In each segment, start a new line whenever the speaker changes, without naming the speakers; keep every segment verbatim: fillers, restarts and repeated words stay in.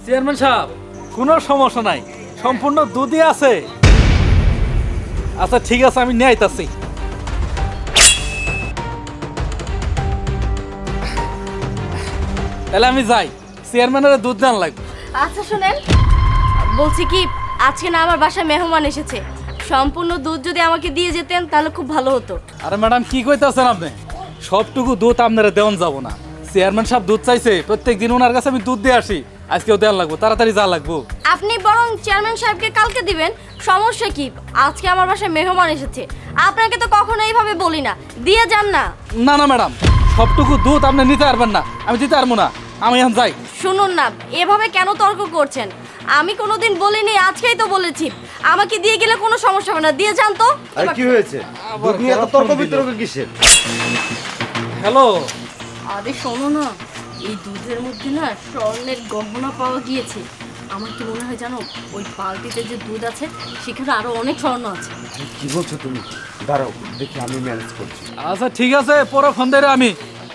Chairman সাহেব কোনো সমস্যা নাই, সম্পূর্ণ দুধই আছে। আচ্ছা ঠিক আছে, আমি নিয়ে আইতাছি। তাহলে আমি যাই, চেয়ারম্যানের দুধ দান লাগবে।
আচ্ছা শুনেন, বলছি কি আজকে না আমার বাসায় মেহমান এসেছে, সম্পূর্ণ দুধ যদি আমাকে দিয়ে যেতেন তাহলে খুব ভালো হতো।
আরে ম্যাডাম কি কইতাছেন আপনি? সবটুকু দুধ আপনারা দেওয়ান যাব না। চেয়ারম্যান সাহেব দুধ চাইছে, প্রত্যেক দিন ওনার কাছে আমি দুধ দিয়ে আসি, আজকেও দেওয়ান লাগবো, তাড়াতাড়ি যা লাগবো।
আপনি বরং চেয়ারম্যান সাহেবকে কালকে দিবেন, সমস্যা কি? আজকে আমার বাসায় মেহমান এসেছে, আপনাকে তো কখনো এইভাবে বলি না, দিয়ে যান না।
না না ম্যাডাম, সবটুকু দুধ আপনি নিতে পারবেন না, আমি দিতে পারবো না, আমি এখন যাই।
শুনুন না, এভাবে কেন তর্ক করছেন? আমি কোনোদিন বলিনি, আজকেই তো বলেছি। আমাকে দিয়ে গেলে কোনো সমস্যা হবে না, দিয়ে যান তো।
আরে কি হয়েছে? দুধ নিয়ে এত তর্ক বিতর্ক কিসের?
হ্যালো,
আরে শোনো না, এই দুধের মধ্যে না স্বর্ণের গহনা পাওয়া গিয়েছে। আমার কি মনে হয় জানো, ওই বালতিতে যে দুধ আছে সেখানে আরো অনেক স্বর্ণ আছে।
আরে কি বলছো তুমি? দাঁড়াও দেখি, আমি ম্যানেজ করছি।
আচ্ছা ঠিক আছে, পরে ফোন দেয় আমি।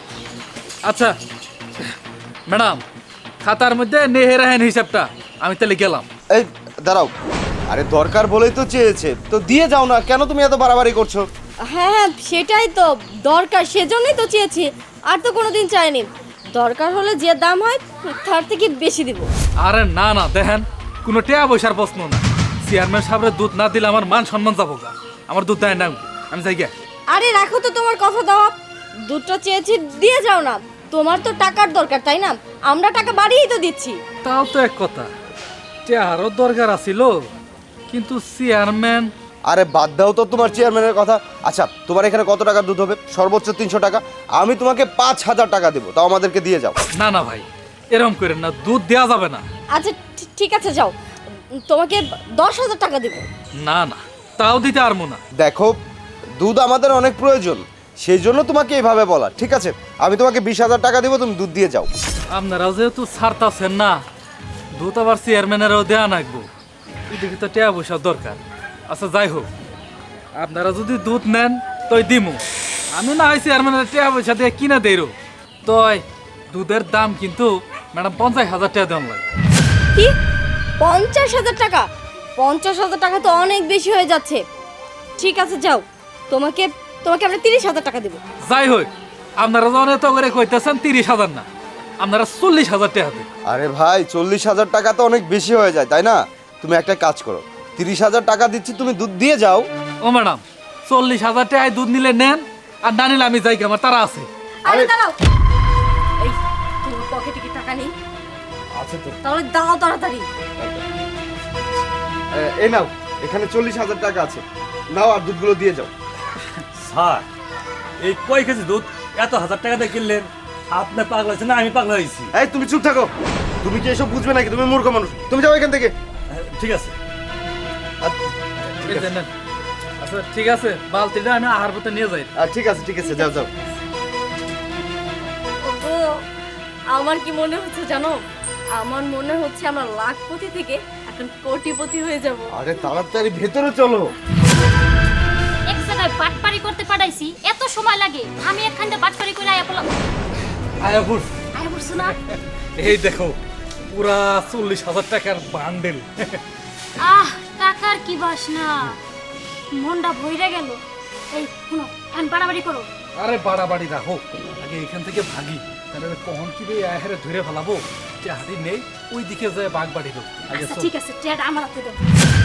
আচ্ছা ম্যাডাম, খাতার মধ্যে নেহে রাখেন হিসাবটা, আমি তাহলে গেলাম।
এই দাঁড়াও, আরে দরকার বলেই তো চেয়েছে, তো দিয়ে যাও না, কেন তুমি এত বাড়াবাড়ি করছো?
হ্যাঁ হ্যাঁ, সেটাই তো দরকার, সেজন্যই তো চেয়েছি, আর তো কোনোদিন চাইনি। দরকার হলে যে দাম হয় তার থেকে বেশি দিব।
আরে না না, দেখেন কোনো টেয়া পয়সার প্রশ্ন না। চেয়ারম্যান সাহেবের দুধ না দিলে আমার মান সম্মান যাবো গা। আমার দুধ দেয় না, আমি যাই গে।
আরে রাখো তো তোমার কথা দেওয়া, দুধটা চেয়েছি দিয়ে যাও না। তোমার তো টাকার দরকার তাই না? আমরা টাকা বাড়িয়েই তো দিচ্ছি।
তাও তো এক কথা, টেয়ারও দরকার আছিল, কিন্তু চেয়ারম্যান।
আরে বাদ দাও তো তোমার চেয়ারম্যানের কথা। আচ্ছা তোমার এখানে কত টাকার দুধ হবে? সর্বোচ্চ তিনশো টাকা। আমি তোমাকে পাঁচ হাজার টাকা দেবো, তাও আমাদেরকে দিয়ে যাও।
না না ভাই, এরকম করেন না, দুধ দেওয়া যাবে না।
আচ্ছা ঠি- ঠিক আছে যাও, তোমাকে দশ হাজার টাকা দেবো।
না না, তাও দিতে পারবো না।
দেখো, দুধ আমাদের অনেক প্রয়োজন, সেই জন্য তোমাকে এইভাবে বলা। ঠিক আছে, আমি তোমাকে বিশ হাজার টাকা দেবো, তুমি দুধ দিয়ে যাও।
আপনারাও যেহেতু ছাড়তাছেন না, দুধ আবার চেয়ারম্যানেরও দেওয়া লাগবো, এদিকে তো টেয়া পয়সার দরকার। আচ্ছা যাই হোক, আপনারা যদি দুধ নেন তই দিমু, আমি না হয় চেয়ারম্যানের টেয়া পয়সা দিয়ে কিনে দেই। তই দুধের দাম কিন্তু ম্যাডাম পঞ্চাশ হাজার টাকা দেওয়া লাগে।
কি পঞ্চাশ হাজার টাকা? পঞ্চাশ হাজার টাকা তো অনেক বেশি হয়ে যাচ্ছে। ঠিক আছে যাও, তোমাকে তোমাকে আমরা তিরিশ হাজার টাকা দেবো।
যাই হোক, আপনারা যখন এত করে কইতেছেন তিরিশ হাজার না, আপনারা চল্লিশ হাজার টাকা দেন।
আরে ভাই, চল্লিশ হাজার টাকা তো অনেক বেশি হয়ে যায়, তাই না? তুমি একটা কাজ করো, তিরিশ হাজার টাকা দিচ্ছি, তুমি দুধ দিয়ে যাও।
ও ম্যাডাম, চল্লিশ হাজার টাকায় দুধ নিলে নেন, আর না নিলে আমি যাই, আমার তারা আছে।
আরে
আরে-
দাঁড়াও, এই তোমার পকেটে কি টাকা নেই?
আচ্ছা তো
তাহলে দাও তাড়াতাড়ি।
এ- এই নাও, এখানে চল্লিশ হাজার টাকা আছে, নাও আর দুধগুলো দিয়ে যাও।
স্যার, এই কয় কেজি দুধ এত হাজার টাকা দিয়ে কিনলেন? আপনি পাগলা হয়েছেন না আমি পাগলা হয়েছি?
এই তুমি চুপ থাকো, তুমি কি এসব বুঝবে নাকি? তুমি মূর্খ মানুষ, তুমি যাও এখান থেকে।
ঠিক আছে।
এই যে নেন। আচ্ছা ঠিক আছে, বালতিটা আমি আহার পথে নিয়ে যাই।
আর ঠিক আছে ঠিক আছে, যাও যাও।
ওগো, আমার কি মনে হচ্ছে জানো? আমার মনে হচ্ছে আমরা লাখপতি থেকে এখন কোটিপতি হয়ে যাব।
আরে তাড়াতাড়ি ভেতরে চলো।
এক জায়গায় বাটপারি করতে পাঠাইছি, এত সময় লাগে? আমি একখানটা বাটপারি করে আয়া পড়লাম।
আয়াপুর,
আয়া পড়ছো না?
এই দেখো পুরা চল্লিশ হাজার টাকার বান্ডেল।
আহ, টাকার কি বাসনা, মনটা ভইরা গেল। এই শুনো, এখন বাড়াবাড়ি করো।
আরে বাড়াবাড়ি রাখো, আগে এখান থেকে ভাগি, তাহলে কখন কি রে আহারে ধরে ফেলাবো। যে হাড়ি নেই, ওই দিকে যায় বাঘ বাড়ি লোক। আগে
আচ্ছা
চল।
ঠিক আছে, ট্রেড আমার হাতে দাও।